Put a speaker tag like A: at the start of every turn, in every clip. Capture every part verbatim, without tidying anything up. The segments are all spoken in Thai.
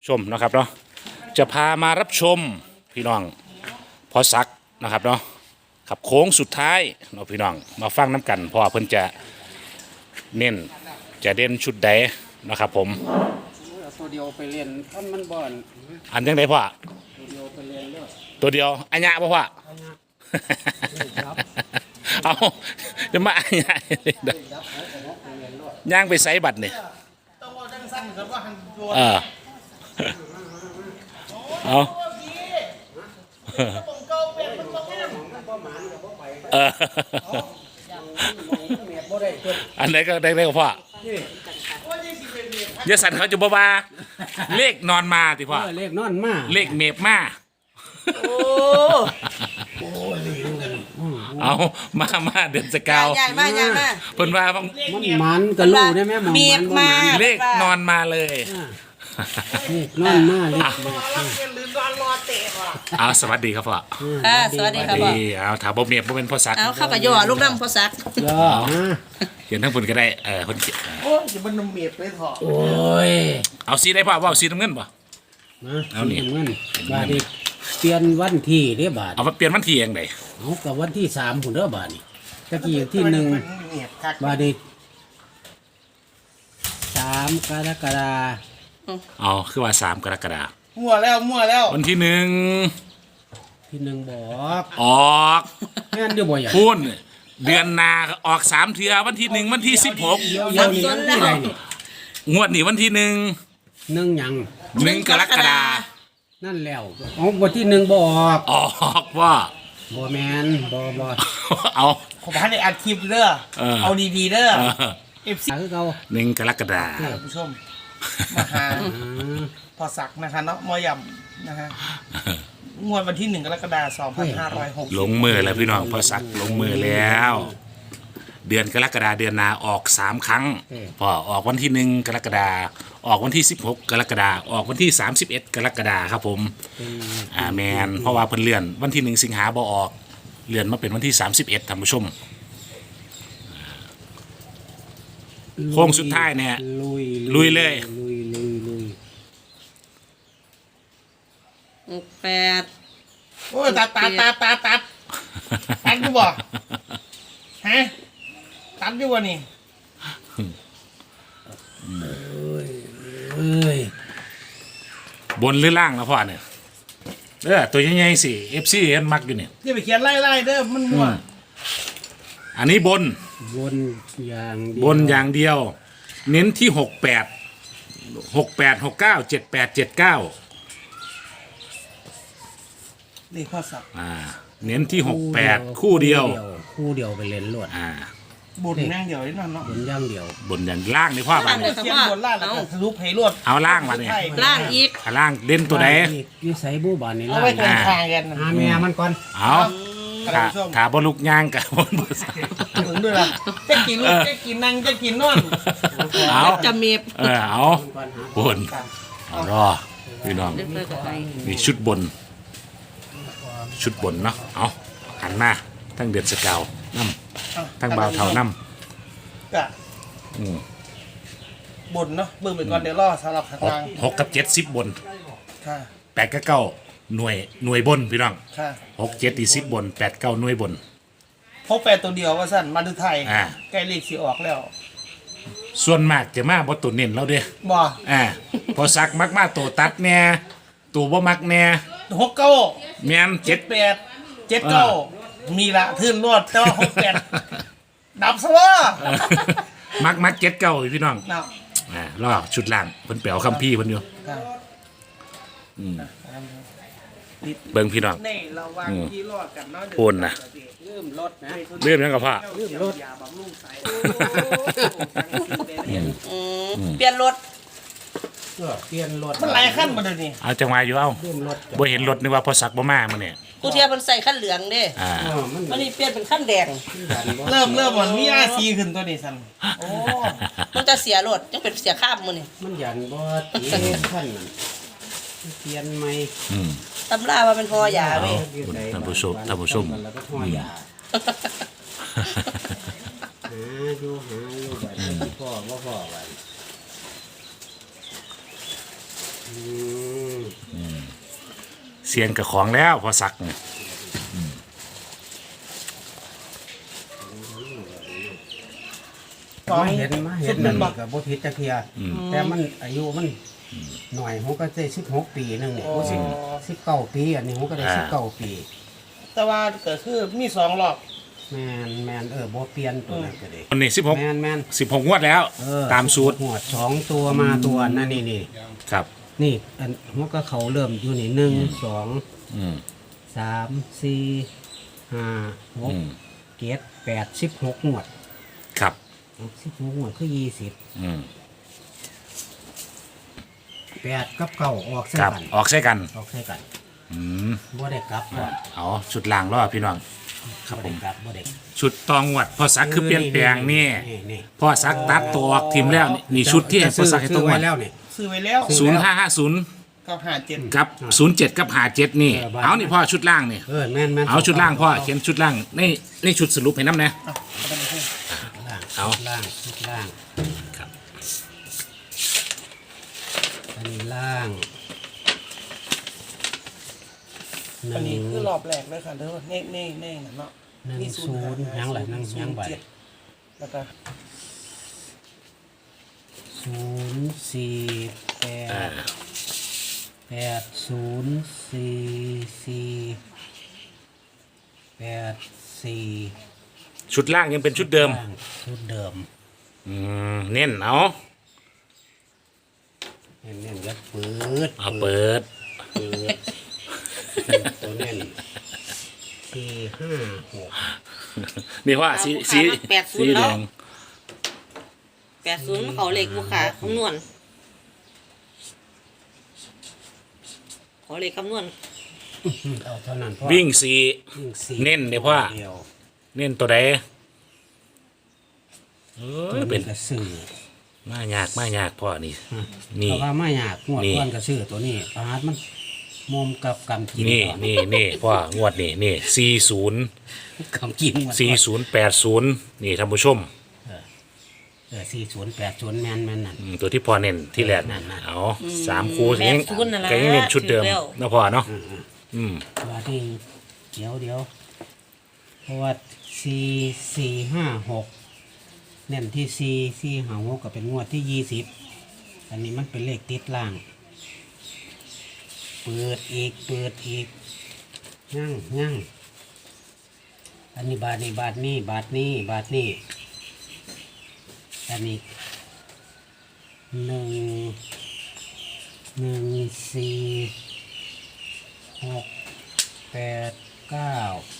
A: ชมนะครับเนาะจะพามารับชมพี่น้องพอสักนะครับเนาะขับโค้งสุดท้ายเนาะพี่น้องมาฟังน้ำกันเพราะว่าเพิ่นจะเน้นจะเด่นชุดใดนะครับผม
B: ตัวเดียวไปเรียนท่านมันบ่อน
A: อันยังไงพ่อ
B: ตัวเดียวไปเรียนเลือด
A: ตัวเดียวอัญญะป่ะพ่อ
B: ครับ
A: เอาจะมาอัญญะเลยเด้อย่างไปไซบัตรเนี่ยเออเอาเอออันไหนก็ได้ได้กับพ่อเยสันเขาจะบ้าเลขนอนมาติพ่อ
B: เลขนอนมา
A: เลขเมฟมาเอามามาเดือนสกาว
C: ใหญ่มากใหญ่มาก
A: เพิ่นว่า
B: มันมันกระลูได้ไหมหมอง
C: เมีย
B: มัน
C: มา
A: เลขนอนมาเลย
B: เลขนอนมาเลข
A: เอาสวัสดีครับพ่อ
C: อ่าสวัสดีครับพ่อ
A: ดีเอาถามบ่เมียบ่เป็นพ่อซัก
C: เอาเข้ากับย่อลูกน้ำพ่อซัก
B: ย่อฮะ
A: เขียนทั้งเพิ่นก็ได้เออเพิ่นเขียน
D: โอ้ยอย่ามันเมียบเลยเถอะ
B: โอ้ย
A: เอาสีได้พ่อว่าเอาสีน้ำเงินป่ะ
B: นะ
A: เอานี่
B: เงินบาทนี้เปลี่ยนวันที่เด้บาท
A: เอามาเปลี่ยนวันที่เองได
B: เอากับวันที่สามผุนเด้อบาทนี่ตะกี้ที่หนึ่ง
D: เมียบคัก
B: บาทนี้สามกรกฎา
A: เอาคือว่าสามกรกฎาคม
D: มั่วแล้วมั่วแล้ว
A: วันที่หนึ่ง
B: ที่หนึ่งบอก
A: ออก
B: แม่นเดี๋ยวบ่อย่าง
A: พูนเดือนหนาออกสามเทือวันที่หนึ่งวันที่สิบหก
B: เดี๋ยวเดี๋ยวนี้วันที่ไหนนี่
A: งวดนี้วันที่หนึ่ง
B: หนึ่งหยัง
A: หนึ่งกรกฎาคม
B: นั่นแล้วเอาวันที่หนึ่งบออก
A: ออกว่า
B: บอแมนบอบอ
A: เอา
D: ขอพันในอัดคลิปเด้อ
A: เออ
D: เอาดีๆเด้อ
A: เออ
D: เอฟซี
B: คือเขา
A: หนึ่งกรกฎาคม
D: ท่านผู้ชมมาหาพอสักนะคะเนาะมอยำนะคะงวดวันที่หนึ่งกรกฎาคมสองพันห้าร้อยหกสิบ
A: ลงมือแล้วพี่น้องพอสักลงมือแล้ว เดือนกรกฎาเดือนหนาออกสามครั้งพอออกวันที่หนึ่งกรกฎาออกวันที่สิบหกกรกฎาออกวันที่สามสิบเอ็ดกรกฎาครับผมอ่าแมนเพราะว่าเพิ่นเลื่อนวันที่หนึ่งสิงหาบ่ออกเลื่อนมาเป็นวันที่สามสิบเอ็ดท่านผู้ชม โค้งสุดท้ายเนี่ย
B: ลุย
A: ลุยเลย
B: ลุยลุยลุย
C: หกแปด
D: โอ้ยตัดตัดตัดตัดตัดตัดอยู่บ่ฮะตัดอยู่บ่นี่
B: เอ้ย
A: บนหรือล่างนะพ่อเนี่ยเออตัวใหญ่ๆสิเอฟซีเห็นมักอยู่เนี่ย
D: อย่าไปเขียนไล่ๆเด้อมันมั่ว
A: อันนี้บน
B: บนอย่างเดียว
A: บนอย่างเดียว เน้นที่หกแปดหกแปดหกเก้าเจ็ดแปดเจ็ดเก้า
D: นี่ข้อสับ
A: อ่าเน้นที่หกแปดคู่เดียว
B: คู่เดียวไปเล่นลวด
A: อ่า
D: บุญนั่งเดียวนี่เนาะ
B: บนอย่างเดียว
A: บนอย่างล่างนี่พ่อมาเนี่ย
D: เขียนบนล่างแล้วก็ทะลุเพลวด
A: เอาล่างมาเนี่ย
C: ล่างอีก
A: เอาล่างเล่นตัวไหน
B: นี่ใส่บูบานนี่
D: เอา
B: ล่า
D: ไว้
B: ง
D: ตรงทางกัน
B: หาแม่มันก่อน
A: เอา
D: ท่าน
A: ขา
D: ผู้ชม
A: ขาบลุกย่างกับบนบน
D: ถึงด้วยล่ะจะกินลูกจะกินนั่งจะกินนอน
A: เอา
C: จะเมียบ
A: เออเอาบนเอารอพี่น้อง
C: เลือกเลือกอะไร
A: นี่ชุดบน ชุดบนเนาะเอาหันมาทั้งเดือนสกาวน้ำทั้งบ่าวเท่าน้
D: ก็
A: ำอืม
D: บนเนาะเบิ่งไปก่อนเดี๋ยวรอสำหรับข้าง
A: หก
D: ล่าง
A: หกกับเจ็ดสิบบน
D: ค่ะ
A: แปดกับเก้าหน่วยหน่วยบนพี่น้อง
D: ค่ะ
A: หกเจ็ดอีสิบบนแปดเก้าหน่วยบน
D: พบแปดตัวเดียวว่าสั่นมาดูไทย
A: อ่า
D: ใกล้เลขสีออกแล้ว
A: ส่วนมากจะมาบนตัวเน้นเราเด้อ
D: บ่
A: อ่าพอสักมักมาตัวตัดแน่ตัวบ่มักแน่
D: หกเก้า
A: แม่นเจ็
D: เจ็
A: ด
D: ดแปดเจ็ดเก้ามีละทื่นรวดแต่ว่าหกแปดดับซะว่า
A: มักมักเจ็ดเก้าพี่น้อง
D: เนาะ
A: อ่ารอชุดล่างเพิ่นแปลวคัมภีร์เพิ่นอยู่
D: ค่ะ
A: เบิ่งพี่น้อง
D: ในระหว่างที่รอดกันเนาะ
A: ปูนนะ
B: เริ่มลดนะ
A: เรื่องนั้นกับพ่อ
D: เริ่มรถยาบำรุงสาย
C: อืมเปลี่ยนรถ
B: ก็เปลี่ยนรถ
D: มันหลายขั้นมาเดี๋ยวนี้
A: เอาจังหวะอยู่เอา
B: เริ่มรถ
A: บ่เห็นรถนึกว่าพอสักบ่มามื้อนี้
C: กูเทียบมันใส่ขั้นเหลืองเด้
A: อ่า
B: อ๋อมัน
C: วันนี้เปลี่ยนเป็นขั้นแดง
D: เริ่มเริ่มมันมีอาซีขึ้นตัวนี้สันโอ้
C: มันจะเสียรถยังเป็นเสียข้ามมือนี่
B: มันยันบ่ตีท่านนั่นเปลี่ยนใหม่
A: อืม
C: ตำราว่าเป็นพอยาเว้ย
A: ท่านผู้ชมท่านผู้ชม
B: แล้วก็ห่อยาหาอยู่หาอยู่แบบพ่อว่าพ่อไว้ห
A: เสียนกับของแล้วพอสักเนี่ย
B: มาเห็นมาเห็นนั่นนี่ก็บ่ผิดจักเทียแต่มันอายุมันหน่อยผมก็ได้สิบหกปีหนึงนี่
D: โอ้
B: สิบสิบเก้าปีอันนี้ผมก็ได้สิบเก้าปี
D: แต่ว่าก็คือมีสองรอบ
B: แมนแมนเออบ่เปลี่ยนตัวนั้นก็ได้
A: วันนี้สิบหก
B: แมนแมน
A: สิบหกงวดแล้ว
B: เออ
A: ตามสูตร
B: หัวดสองตัวมาตัวนั่นนี่นี่
A: ครับ
B: นี่อันมันก็เขาเริ่มอยู่นี่หนึ่งสอง
A: อืม
B: สามสี่ห้าหก
A: อืม
B: เจ็ดแปดสิบหกงวด
A: ครับ
B: สิบหกงวดคือยี่สิบ
A: อืม
B: แปดกับเก้าออกใส่
A: ครับ
B: กัน
A: ออกใช่กัน
B: ออกใส่กัน
A: อืม
B: บ่ได้กลับก่อน
A: เอาชุดล่างรอพี่น้อง ครับผม
B: ได้กลับบ่ได้
A: ชุดตองหวัดพอสักคือเปลี่ยนแปลงนี่
B: นี่
A: พอสักตัดตัวออกทีมแล้วนี่นี่ชุดที่ให้พอสักให้ตรง
B: ไว้
A: วัด
B: แล้วนี่
D: ซื้อไว้แล้ว
A: ศูนย์ห้าห้าศูนย์
D: ก็หาเจ็ด
A: กับศูนย์เจ็ดกับหาเจ็ดนี่
B: เออบ้าน
A: เอานี่พ่อชุดล่างนี่
B: เออแม่นแม่น
A: เอาชุดล่างพ่อเขียนชุดล่างนี่นี่ชุดสรุปให้น้ำนะ
D: อ่ะเอาไปเลย
B: ล่าง
A: เอา
B: ล่างชุดล่าง
A: ครับ
B: อันนี้ล่างห
D: อันนี้
B: นึ่ง
D: คือรอบแรกเลยค่ะเด้อเน่เน่เน่น่ะเนาะ
B: หนึ่ง
D: มี
B: ศูนย์ยังหลายนั่งยังบ่
D: เจ็ดแล้วก็
B: ศูนย์สี่แป
A: อ่า
B: ดแปดศูนย์สี่สี่แปดสี่
A: ชุดล่างยังเป็นชุดเดิม
B: ล่างชุดเดิม
A: อืมเน้นเอา
B: เน้นเน้นยัดเปิด
A: เอาเปิด
B: เปิดตัวเน้นสี่ห้าหก
A: นี่ว่าสีสี
C: แปดศู
A: สี
C: นย์
A: แด
C: แล้ว
A: ง
C: แปดศูนย์เขาเลขบุขาคำนวณขอเลขคำนวณ
B: เอาเท่านั้นพ่อ
A: วิ่งสี
B: วิ่งสี่
A: เน้นเดี๋ยวพ่อ
B: เดียว
A: เน้นตัวใดเอ
B: ตั
A: อ
B: ว
A: เป็
B: นี้
A: น
B: ก็ซื้อ
A: มายากมายากพ่อนี่
B: นี่
A: นี่
B: เพราะว่าไม่อยากงวด
A: นี่
B: ก้อนก็ซื้อตัวนี้ปาดมันมุมกับกำกิน
A: นี่
B: ก่อ
A: นี่นี่พ่องวดนี่นี่สี่ศูนย์
B: กำกินงวดก่อน
A: สี่ศูนย์แปดศูนย์นี่ท่านผู้ชม
B: เออสี่ศูนย์แปดศูนย์แมนแมนนั่น
A: อืมตัวที่พ่อเน้นที่แรก
B: นั่นน่ะ
A: เอาสามคู่
C: แป
A: ยัง
C: ดศูนย์นั่นแหละ
A: ก็ยังเน้นชุดเดิม
C: ถือแล้ว
A: นะพ่อเนาะอืม
B: ว่าที่เดี๋ยวเดี๋ยวเพราะว่าสี่สี่ห้าหกเน้นที่สี่สี่ห้าหกก็เป็นงวดที่ยี่สิบอันนี้มันเป็นเลขติดล่าง เปิดอีกเปิดอีกยั่งยั่งอันนี้บาทนี้บาทนี้บาทนี้บาทนี้อันนี้หนึ่งหนึ่งสี่หกแปดเก้า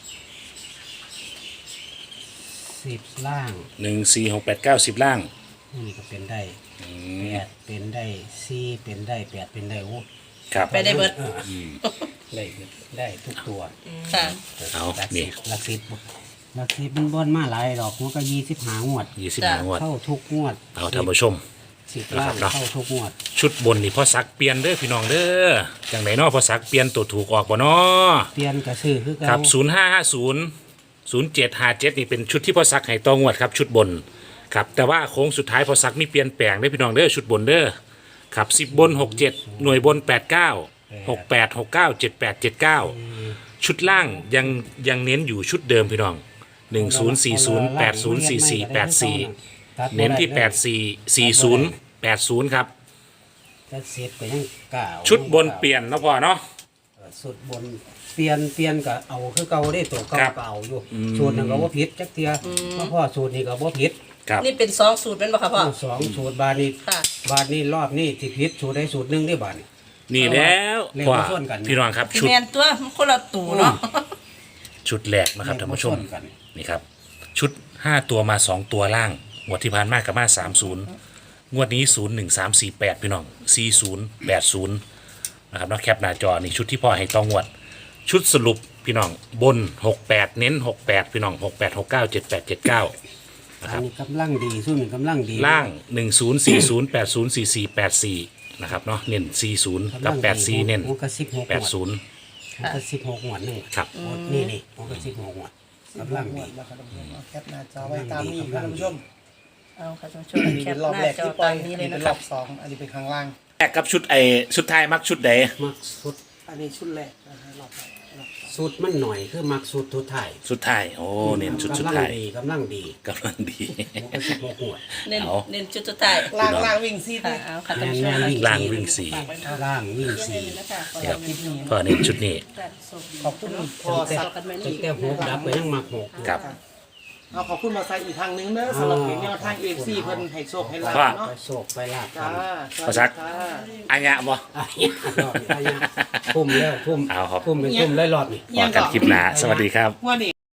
B: สิบล่าง
A: หนึ่งสี่หกแปดเก้าสิบล่าง
B: นี่ก็เป็นได้แปดเป็นได้สี่เป็นได้แปดเป็นได้โอ้
A: ครับ
C: ไปได้เบิด
B: เออได้ได้ทุกตัว
C: ค่ะ
A: เอา
B: หลัก
A: นี่
B: สิบหลักสิบหลักสิบมันบอนมาหลายดอกมันก็ยี่สิบหางวด
A: ยี่สิบ
C: จ้ะ
A: ห้างวด
B: เข้าทุกงวด
A: เอาท่านผู้ชม
B: สิบล้าน
A: นะครับเนาะ
B: เข้าทุกงวด
A: ชุดบนนี่พ่อสักเปลี่ยนเด้อพี่น้องเด้อจังไหนเนาะพ่อสักเปลี่ยนตัวถูกออกบ่เนาะ
B: เปลี่ยนกระซื้อคือ
A: ครั
B: เก่า
A: บศูนย์ห้าห้าศูนย์ศูนย์เจ็ดห้าเจ็ดนี่เป็นชุดที่พ่อสักให้ตองวดครับชุดบนครับแต่ว่าโค้งสุดท้ายพ่อสักมีเปลี่ยนแปลงเด้อพี่น้องเด้อชุดบนเด้อครับสิบบนหกเจ็ดหน่วยบนแปดเก้าหกแปดหกเก้าเจ็ดแปดเจ็ดเก้าชุดล่างยังยังเน้นอยู่ชุดเดิมพี่น้องหนึ่งศูนย์สี่ศูนย์แปดศูนย์สี่สี่แปดสี่เน้นที่แปดสี่สี่ศูนย์แปดศูนย์ครับ
B: แต่เสร็จก็ยังเก่า
A: ชุดบนเปลี่ยนเนาะพ่อเนาะ
B: สุดบนเปลี่ยนเปลี่ยนก็เอาคือเก่าได้ตัวเก่า
A: ครับ
B: ก็เอาอยู่สูตรหนึ่งก็บ่ผิดจักเทียเพราะพ่อสูตรนี้ก็บ่ผิด
A: ครับ
C: นี่เป็นสองสูตรเป็นปะคะพ่อ
B: สองสูตรบาทนี้
C: ค่ะ
B: บาทนี้รอบนี้ที่ผิดสูตรได้สูตรหนึ่งได้บาทนี่
A: นี่แล้ว
B: เลข
A: พ่อ
B: มาส่วนกัน
A: พี่น้องครับชุด
C: แมนตัวมันคนละตูเนาะ
A: ชุดแรกนะครับท่านผู้ชม
B: เลขมาส่วนกัน
A: นี่ครับ ชุดห้าตัวมาสองตัวล่างงวดที่ผ่านมากับมาสามศูนย์งวดนี้ศูนย์หนึ่งสามสี่แปดพี่น้องสี่ศูนย์แปดศูนย์นะครับเนาะแคปหน้าจอนี่ชุดที่พ่อให้ต้องงวด ชุดสรุปพี่น้องบนหกแปดเน้นหกแปดพี่น้องหกแปดหกเก้าเจ็ดแปดเจ็ดเก้า
B: อันนี้กำลังดีสู้หนึ่งกำลังดี
A: ล่างหนึ่งศูนย์สี่ศูนย์แปดศูนย์สี่สี่แปดสี่นะครับเนาะเน้นสี่ศูนย์กับแปดสี่เน้น
B: มันก็สิบหก
A: แปดศูนย์
B: มันก็สิบหกหมวดหนึ่ง
A: ครับ
B: นี่นี่มันก็สิบหกหมวดกำลังดี
D: นะครับท่านผู้ชมเอาแคปหน้าจอไว้ตามนี้ครับท่านผู้ชม
C: เอาค่ะท่านผู้ชม
D: อันนี้
C: แค
D: เป็
C: ป
D: นรอบ
C: หน้า
D: แรก
C: จอ
D: ที่ปล่อ
C: ตาย มนี้
D: อัน
C: เลย
D: นี้
C: นะ
D: เป็น
C: ค
D: ร
C: รั
D: อบ บสองอันนี้เป็นข้างล่าง
A: แรกกับชุดไอชุดไทายมักชุดใด
B: มักสุด
D: อันนี้ชุดแรกนะฮะรอบแรกรอบ
B: สุดมันหน่อยคือมักสุดทุดไทาย
A: ชุดไทายโอ้เน้นชุดชุด
B: กำลัง
A: ไทาย
B: ดีกำลังดี
A: กำลังดี
B: หกสิบหกหัว
C: เน้น
A: เอา
C: เน้นจุดสุดท้าย
D: ล่างล่างวิ่งซีด
C: ค่ะ
D: เลย
C: เอาค่ะ
B: แม
C: ท่าน
B: น
C: ผู้ช
B: แม
C: ม
B: นวิ่ง
A: ล่าง
B: สี่
A: วิ่งสี่
B: ล่างวิ่งสี่
A: ครับพ่อเน้นชุดนี้
D: ขอบคุณพอสัก
B: ตั้งแต่หกดับไปยังมักหก
A: ครับ
D: เอาขอบคุณมาใส่อีกทางนึงเด้อสำหรับเพจแนวทางเอฟซีเพิ่นให้โชคให้ลาบ
A: ว่า
D: เนาะ
B: ไปโศกไปลาบ
D: จ้า
A: พอสัก
D: จ้า
A: อันยะบ่
B: อ่ะเนี่ยรอบนี้อ่ะเนี่ยทุ่มแล้วทุ่ม
A: เอาครับ
B: ทุ่มเป็นทุ่มเลยรอบนี้
A: พอกันคลิปหน้าสวัสดีครับ
D: ว่านี่